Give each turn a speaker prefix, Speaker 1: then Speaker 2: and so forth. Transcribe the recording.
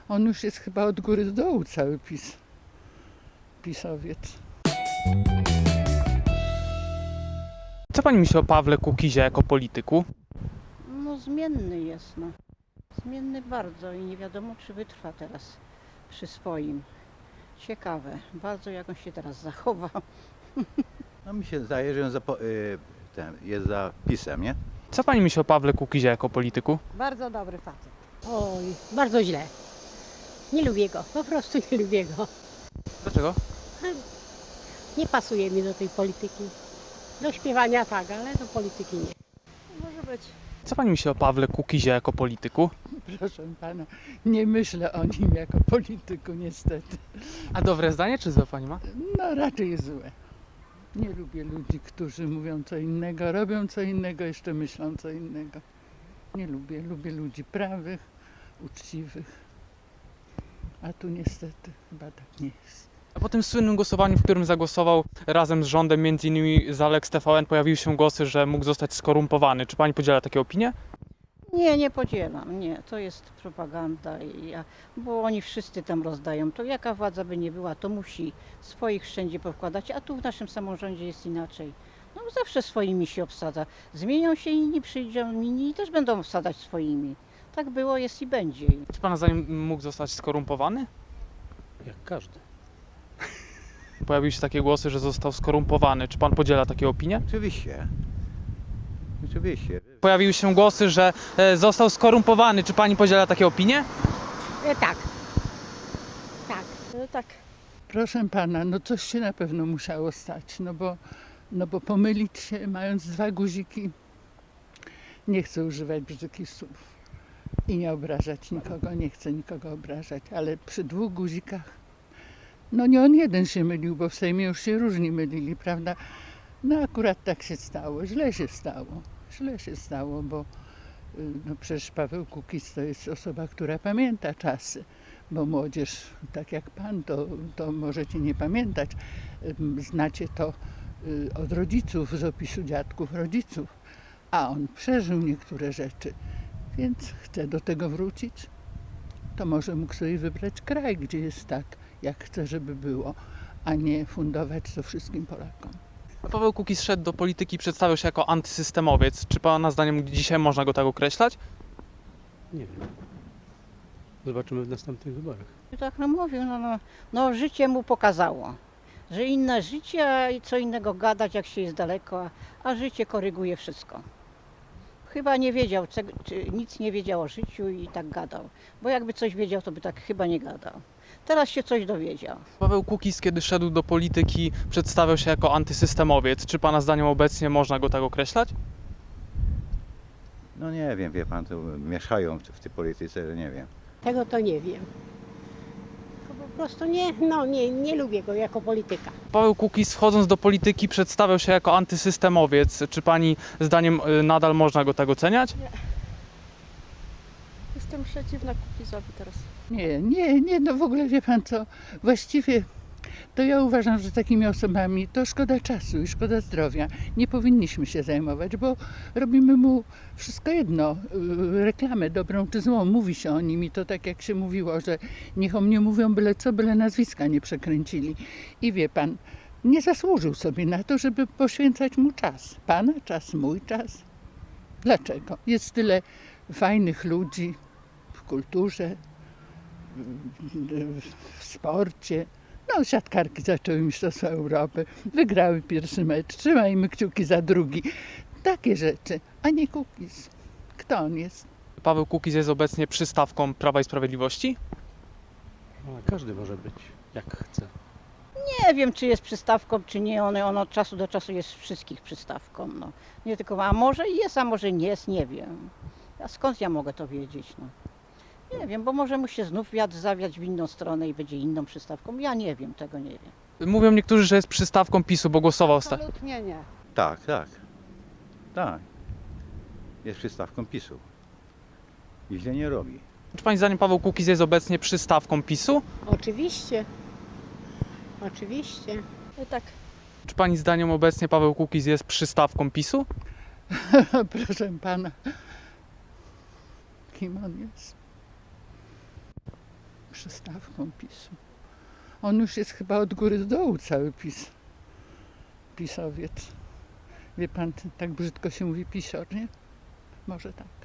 Speaker 1: On już jest chyba od góry do dołu cały pisowiec.
Speaker 2: Co pani myśli o Pawle Kukizie jako polityku?
Speaker 3: No zmienny jest, no. Zmienny bardzo i nie wiadomo, czy wytrwa teraz przy swoim. Ciekawe, bardzo jak on się teraz zachowa.
Speaker 4: No mi się zdaje, że on jest za PiS-em, nie?
Speaker 2: Co pani myśli o Pawle Kukizie jako polityku?
Speaker 5: Bardzo dobry facet. Oj, bardzo źle. Nie lubię go, po prostu nie lubię go.
Speaker 2: Dlaczego?
Speaker 5: Nie pasuje mi do tej polityki. Do śpiewania tak, ale do polityki nie.
Speaker 3: Może być.
Speaker 2: Co pani myśli o Pawle Kukizie jako polityku?
Speaker 1: Proszę pana, nie myślę o nim jako polityku niestety.
Speaker 2: A dobre zdanie czy złe pani ma?
Speaker 1: No raczej złe. Nie lubię ludzi, którzy mówią co innego, robią co innego, jeszcze myślą co innego. Nie lubię. Lubię ludzi prawych, uczciwych. A tu niestety chyba tak nie jest.
Speaker 2: A po tym słynnym głosowaniu, w którym zagłosował razem z rządem, m.in. za Lex TVN, pojawiły się głosy, że mógł zostać skorumpowany. Czy pani podziela takie opinie?
Speaker 3: Nie, nie podzielam, nie. To jest propaganda, bo oni wszyscy tam rozdają. To jaka władza by nie była, to musi swoich wszędzie powkładać, a tu w naszym samorządzie jest inaczej. No zawsze swoimi się obsadza. Zmienią się inni, przyjdą inni i też będą obsadzać swoimi. Tak było, jest i będzie.
Speaker 2: Czy pana zdaniem mógł zostać skorumpowany?
Speaker 6: Jak każdy.
Speaker 2: Pojawiły się takie głosy, że został skorumpowany. Czy pan podziela takie opinie?
Speaker 4: Oczywiście. Oczywiście.
Speaker 2: Pojawiły się głosy, że został skorumpowany. Czy pani podziela takie opinie?
Speaker 5: Tak. Tak.
Speaker 3: Tak.
Speaker 1: Proszę pana, no coś się na pewno musiało stać, no bo pomylić się mając dwa guziki, nie chcę używać brzydkich słów i nie obrażać nikogo, nie chcę nikogo obrażać, ale przy dwóch guzikach, no nie on jeden się mylił, bo w Sejmie już się różni mylili, prawda? No akurat tak się stało, źle się stało, bo no przecież Paweł Kukiz to jest osoba, która pamięta czasy, bo młodzież, tak jak pan, to możecie nie pamiętać, znacie to od rodziców, z opisu dziadków rodziców, a on przeżył niektóre rzeczy, więc chce do tego wrócić, to może mógł sobie wybrać kraj, gdzie jest tak, jak chce, żeby było, a nie fundować to wszystkim Polakom.
Speaker 2: A Paweł Kukiz szedł do polityki i przedstawiał się jako antysystemowiec. Czy pana zdaniem dzisiaj można go tak określać?
Speaker 6: Nie wiem. Zobaczymy w następnych wyborach.
Speaker 3: Tak no mówił, no życie mu pokazało, że inne życie, a co innego gadać, jak się jest daleko, a życie koryguje wszystko. Chyba nie wiedział, nic nie wiedział o życiu i tak gadał, bo jakby coś wiedział, to by tak chyba nie gadał. Teraz się coś dowiedział.
Speaker 2: Paweł Kukiz, kiedy szedł do polityki, przedstawiał się jako antysystemowiec. Czy pana zdaniem obecnie można go tak określać?
Speaker 4: No nie wiem, wie pan, to mieszają w tej polityce, że nie wiem.
Speaker 5: Tego to nie wiem. To po prostu nie lubię go jako polityka.
Speaker 2: Paweł Kukiz, wchodząc do polityki, przedstawiał się jako antysystemowiec. Czy pani zdaniem nadal można go tak oceniać?
Speaker 7: Jestem przeciwna Kukizowi teraz.
Speaker 1: Nie, no w ogóle wie pan co, właściwie to ja uważam, że takimi osobami to szkoda czasu i szkoda zdrowia. Nie powinniśmy się zajmować, bo robimy mu wszystko jedno, reklamę dobrą czy złą, mówi się o nim i to tak jak się mówiło, że niech o mnie mówią byle co, byle nazwiska nie przekręcili. I wie pan, nie zasłużył sobie na to, żeby poświęcać mu czas. Pana czas, mój czas. Dlaczego? Jest tyle fajnych ludzi w kulturze, w sporcie. No, siatkarki zaczęły Mistrzostwa Europy, wygrały pierwszy mecz, trzymajmy kciuki za drugi. Takie rzeczy, a nie Kukiz. Kto on jest?
Speaker 2: Paweł Kukiz jest obecnie przystawką Prawa i Sprawiedliwości?
Speaker 6: A każdy może być, jak chce.
Speaker 3: Nie wiem, czy jest przystawką, czy nie. On od czasu do czasu jest wszystkich przystawką. No. Nie tylko, a może jest, a może nie jest, nie wiem. A skąd ja mogę to wiedzieć? No. Nie wiem, bo może mu się znów wiatr zawiać w inną stronę i będzie inną przystawką. Ja nie wiem, tego nie wiem.
Speaker 2: Mówią niektórzy, że jest przystawką PiS-u, bo głosował
Speaker 5: Absolutnie nie.
Speaker 4: Tak. Jest przystawką PiS-u. I źle nie robi.
Speaker 2: Czy pani zdaniem Paweł Kukiz jest obecnie przystawką PiS-u?
Speaker 5: Oczywiście. Oczywiście.
Speaker 7: Tak.
Speaker 2: Czy pani zdaniem obecnie Paweł Kukiz jest przystawką PiS-u?
Speaker 1: Proszę pana, kim on jest? przystawką PiS-u. On już jest chyba od góry do dołu cały PiS. Pisowiec. Wie pan, tak brzydko się mówi pisior, nie? Może tak.